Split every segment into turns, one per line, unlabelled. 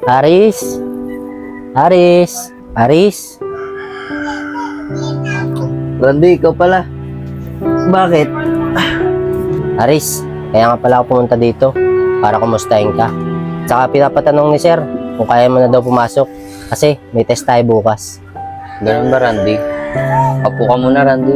Aris? Aris? Aris?
Randy, ikaw pala. Bakit?
Aris, kaya nga pala ako pumunta dito para kumustahin ka. Tsaka pinapatanong ni Sir kung kaya mo na daw pumasok kasi may test tayo bukas.
Ganun ba, Randy? Apo ka muna, Randy.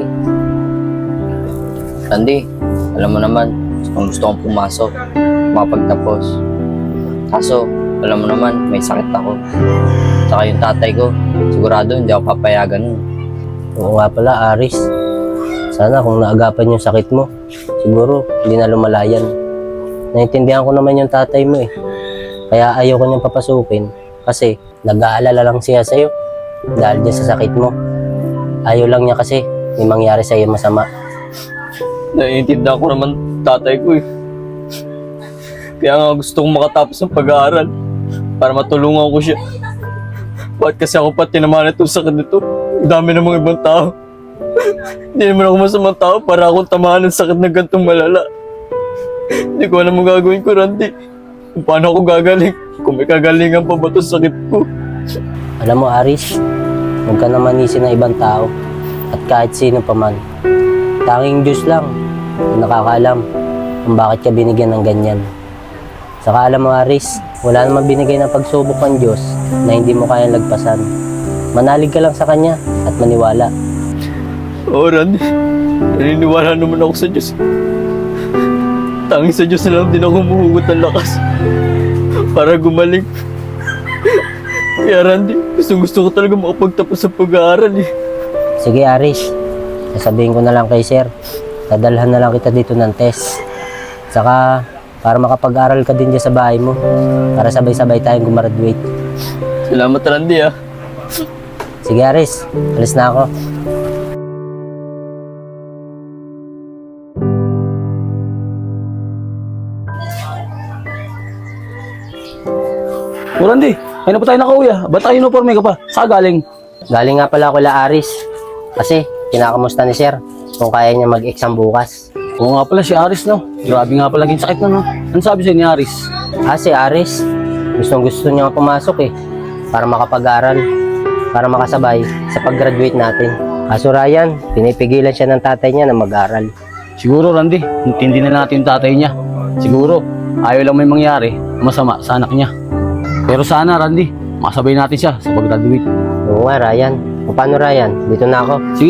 Randy, alam mo naman, kung gusto kong pumasok, makapagtapos. Kaso, alam mo naman, may sakit ako. Tsaka yung tatay ko, sigurado hindi ako papayagan nun.
Oo nga pala, Aris. Sana kung naagapan yung sakit mo, siguro hindi na lumalayan. Naintindihan ko naman yung tatay mo eh. Kaya ayaw ko niyang papasukin kasi nag-aalala lang siya sa'yo dahil dyan sa sakit mo. Ayaw lang niya kasi may mangyari sa'yo masama.
Naiintindihan ko naman tatay ko eh. Kaya nga gusto kong makatapos ng pag-aaral para matulungan ko siya. Bakit kasi ako pa tinamaan itong sakit nito? Ang dami ng mga ibang tao. Hindi naman ako masamang tao para akong tamaan ng sakit na gantong malala. Hindi ko alam ang gagawin ko, Randy. Kung paano ako gagaling. Kung may kagalingan pa ba itong sakit ko.
Alam mo, Aris, huwag ka naman isip ng ibang tao at kahit sino pa man. Tanging Diyos lang ang nakakaalam kung bakit ka binigyan ng ganyan. Saka alam mo, Aris, wala namang binigay ng pagsubok ng Diyos na hindi mo kayang lagpasan. Manalig ka lang sa Kanya at maniwala.
Oo, Randy. Naniniwala naman ako sa Diyos. Tanging sa Diyos na lang din ako humuhugot ng lakas para gumaling. Kaya Randy, gusto ko talaga makapagtapos sa pag-aaral eh.
Sige, Aris, sasabihin ko na lang kay Sir. Dadalhan na lang kita dito ng test. Saka, para makapag-aral ka din dyan sa bahay mo. Para sabay-sabay tayong gumraduate.
Salamat, Randy ah.
Sige, Aris, alis na ako.
O Randy, ay na pa tayo nakauwi ah. Ba't tayo uniforme ka pa? Saan galing?
Galing nga pala ako la Aris. Kasi, kinakamusta ni Sir kung kaya niya mag-exam bukas.
Oo nga pala si Aris no. Grabe nga pala yung sakit na no. Ano sabi sa'yo ni Aris?
Si Aris, gustong-gusto niya pumasok eh. Para makapag-aral. Para makasabay sa pag-graduate natin. Kaso Ryan, pinipigilan siya ng tatay niya na mag-aral.
Siguro Randy, intindi na natin yung tatay niya. Siguro, ayaw lang may mangyari masama sa anak niya. Pero sana Randy, makasabay natin siya sa pag-graduate.
Oo nga Ryan. O paano Ryan? Dito na ako.
Sige.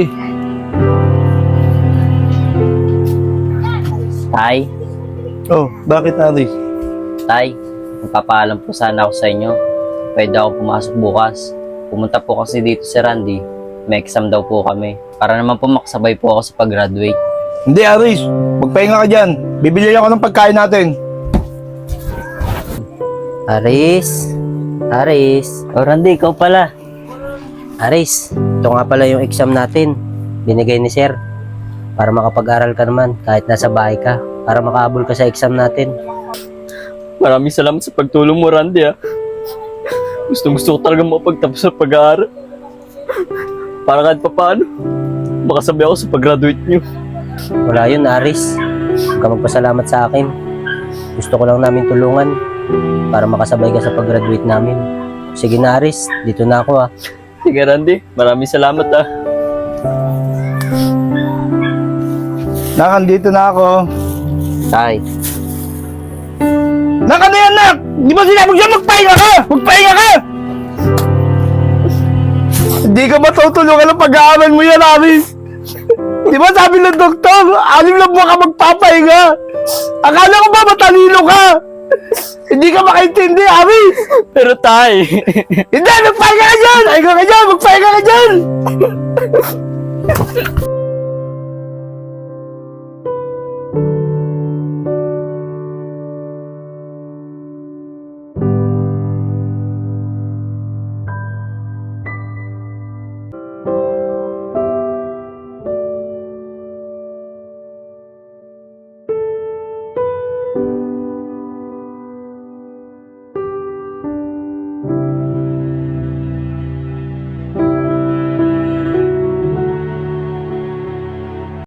Tay,
Oh, bakit Aris?
Tay, magpapaalam po sana ako sa inyo. Pwede ako pumasok bukas. Pumunta po kasi dito si Randy. May exam daw po kami. Para naman po makasabay po ako sa pag-graduate.
Hindi Aris, magpahinga ka dyan. Bibili ako ng pagkain natin.
Aris? Aris?
Oh, Randy, ikaw pala.
Aris, ito nga pala yung exam natin. Binigay ni Sir. Para makapag-aral ka naman kahit nasa bahay ka. Para makahabol ka sa exam natin.
Maraming salamat sa pagtulong mo, Randy ah. Gusto ko talaga makapagtapos sa pag-aaral. Para kahit pa paano, makasabay ako sa pag-graduate niyo.
Wala yun, Aris. Huwag ka magpasalamat sa akin. Gusto ko lang namin tulungan para makasabay ka sa pag-graduate namin. Sige na, Aris. Dito na ako ah.
Sige, Randy. Maraming salamat ah.
Nakandito na ako.
Tay.
Nak, ano yan, Nak? Di ba sinabi ko siya magpahinga ka? Magpahinga ka! Hindi ka matutulungan ng pag-aaral mo yan, Aris. Di ba sabi ng doktor, 6 na buwan ka magpapahinga? Akala ko ba matalino ka? Hindi ka makaintindi, Aris.
Pero tay,
Hindi, magpahinga ka dyan! Magpahinga ka dyan!